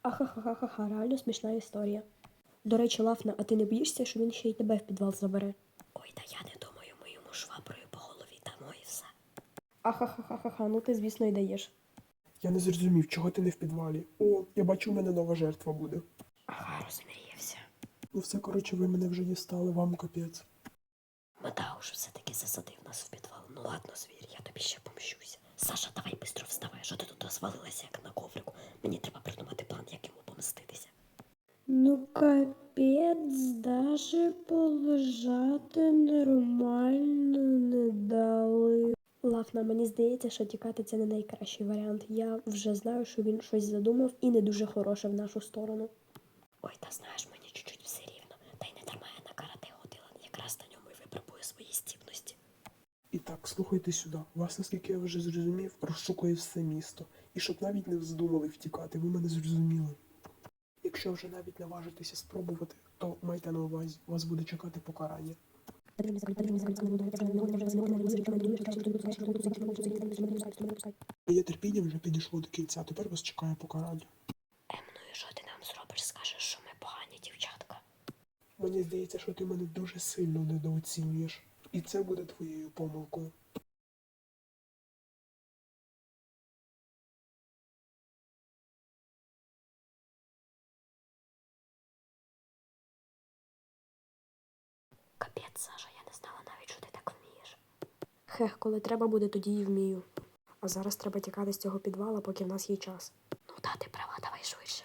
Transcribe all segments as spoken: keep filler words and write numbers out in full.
Ахахахаха, реально смішна історія. До речі, Лафна, а ти не боїшся, що він ще й тебе в підвал забере? Ой, та я не думаю, ми йому шваброю по голові дамо і все. Ахахахаха, ну ти, звісно, й даєш. Я не зрозумів, чого ти не в підвалі. О, я бачу, у мене нова жертва буде. Ага, розмріявся. Ну все, коротше, ви мене вже дістали, вам капець. Матауш все-таки засадив нас в підвал. Ну ладно, звір, я тобі ще помщуся. Саша, давай бистро вставай, що ти тут розвалилася, як на коврику. Мені треба придумати план, як йому помститися. Ну капець, даже полежати нормально не дали. Лафна, мені здається, що тікати це не найкращий варіант. Я вже знаю, що він щось задумав і не дуже хороше в нашу сторону. Ой, та знаєш, мені чуть-чуть все рівно. Та й не дарма я на карате ходила. Якраз на ньому і випробую свої здібності. І так, слухайте сюди. Вас, наскільки я вже зрозумів, розшукує все місто. І щоб навіть не вздумали втікати, ви мене зрозуміли. Якщо вже навіть наважитеся спробувати, то майте на увазі, вас буде чекати покарання. Моє терпіння вже підійшло до кінця, тепер вас чекає покарання. Ем, ну і що ти нам зробиш? Скажеш, що ми погані дівчатка. Мені здається, що ти мене дуже сильно недооцінюєш. І це буде твоєю помилкою. Капець, Саша, я не знала навіть, що ти так вмієш. Хех, коли треба буде, тоді і вмію. А зараз треба тікати з цього підвала, поки в нас є час. Ну та, ти права, давай швидше.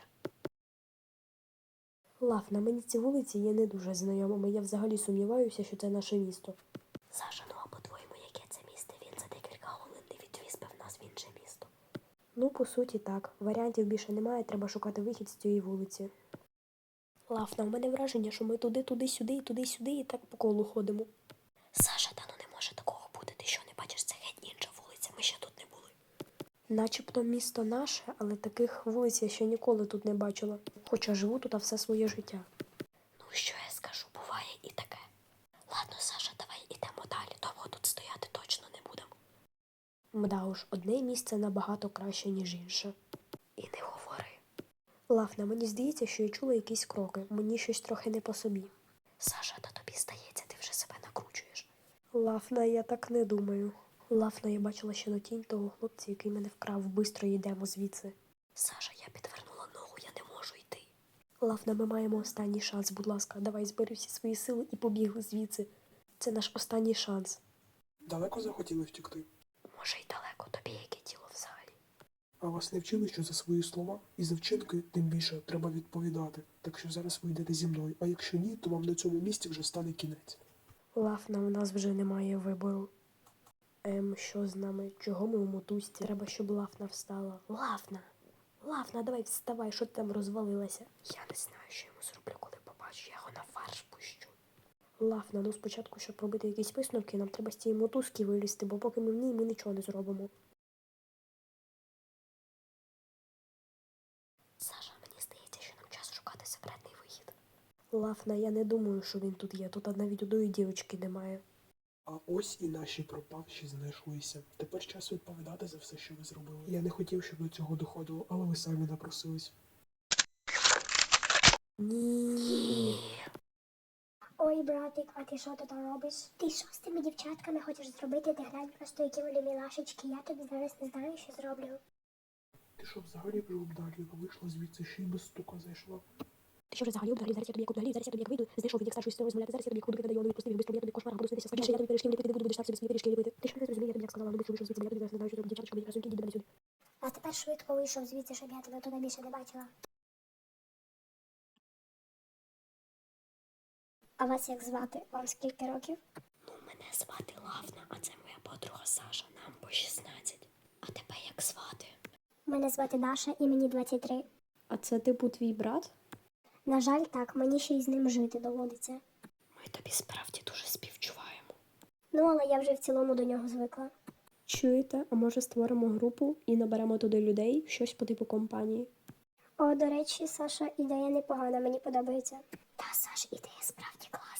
Лафна, мені ці вулиці є не дуже знайомими. Я взагалі сумніваюся, що це наше місто. Саша, ну а по-твоєму, яке це місто? Він за декілька хвилин не відвіз би в нас в інше місто. Ну, по суті, так. Варіантів більше немає, треба шукати вихід з цієї вулиці. Лафна, у мене враження, що ми туди, туди, сюди, і туди, сюди, і так по колу ходимо. Саша, та ну не може такого бути. Ти що, не бачиш, це геть інша вулиця, ми ще тут не були. Начебто місто наше, але таких вулиць я ще ніколи тут не бачила. Хоча живу тут все своє життя. Ну, що я скажу, буває і таке. Ладно, Саша, давай ідемо далі, довго тут стояти точно не будемо. Мда уж, одне місце набагато краще, ніж інше. І не говори. Лафна, мені здається, що я чула якісь кроки. Мені щось трохи не по собі. Саша, та тобі здається, ти вже себе накручуєш. Лафна, я так не думаю. Лафна, я бачила ще на тінь того хлопця, який мене вкрав. Бистро йдемо звідси. Саша, я підвернула ногу, я не можу йти. Лафна, ми маємо останній шанс, будь ласка. Давай збери всі свої сили і побігли звідси. Це наш останній шанс. Далеко захотіли втікти? Може й далеко, тобі яке тіло взагалі. А вас не вчили, що за свої слова і за вчинки, тим більше, треба відповідати. Так що зараз ви йдете зі мною, а якщо ні, то вам на цьому місці вже стане кінець. Лафна, у нас вже немає вибору. Ем, що з нами? Чого ми у мотузці? Треба, щоб Лафна встала. Лафна! Лафна, давай вставай, що ти там розвалилася? Я не знаю, що йому зроблю, коли побачу, я його на фарш пущу. Лафна, ну спочатку, щоб робити якісь висновки, нам треба з цієї мотузки вилізти, бо поки ми в ній, ми нічого не зробимо. Саша, мені здається, що нам час шукати секретний вихід. Лафна, я не думаю, що він тут є. Тут навіть одної дівчинки немає. А ось і наші пропавші знайшлися. Тепер час відповідати за все, що ви зробили. Я не хотів, щоб до цього доходило, але ви самі напросились. Ні. Ой, братик, а ти що тут робиш? Ти що з тими дівчатками хочеш зробити? Ти глянь просто, які вони мілашечки. Я тобі зараз не знаю, що зроблю. Ти що взагалі вже обдарліва? Вийшла звідси, ще й без стука зайшла. Ти що вже взагалі обдалі? Зараз я тобі як обдалі, зараз я тобі як вийду, знайшов від як старшої сестри розмовляти, зараз я тобі як буду кидати, я не відпустив, бистро, я тобі кошмара, буду снитися. Більше я тобі пиріжки не ліпити не буду, будеш сам собі свої пиріжки ліпити. Ти що не зрозуміє, я тобі як сказала, ну вийшов звідси, бо я тобі зараз не знаю, що робити, дівчаточка, мені красуньки, діди мене сюди. А тепер швидко вийшов звідси, щоб я тебе туди більше не бачила. А вас як звати? Вам скільки років? Ну, мене звати Лафна, а це моя подруга Саша, нам по шістнадцять. А тебе як звати? Мене звати Даша і мені двадцять три. А це типу твій брат? На жаль, так, мені ще й з ним жити доводиться. Ми тобі справді дуже співчуваємо. Ну, але я вже в цілому до нього звикла. Чуєте, а може створимо групу і наберемо туди людей, щось по типу компанії? О, до речі, Саша, ідея непогана, мені подобається. Та, Саш, ідея справді класна.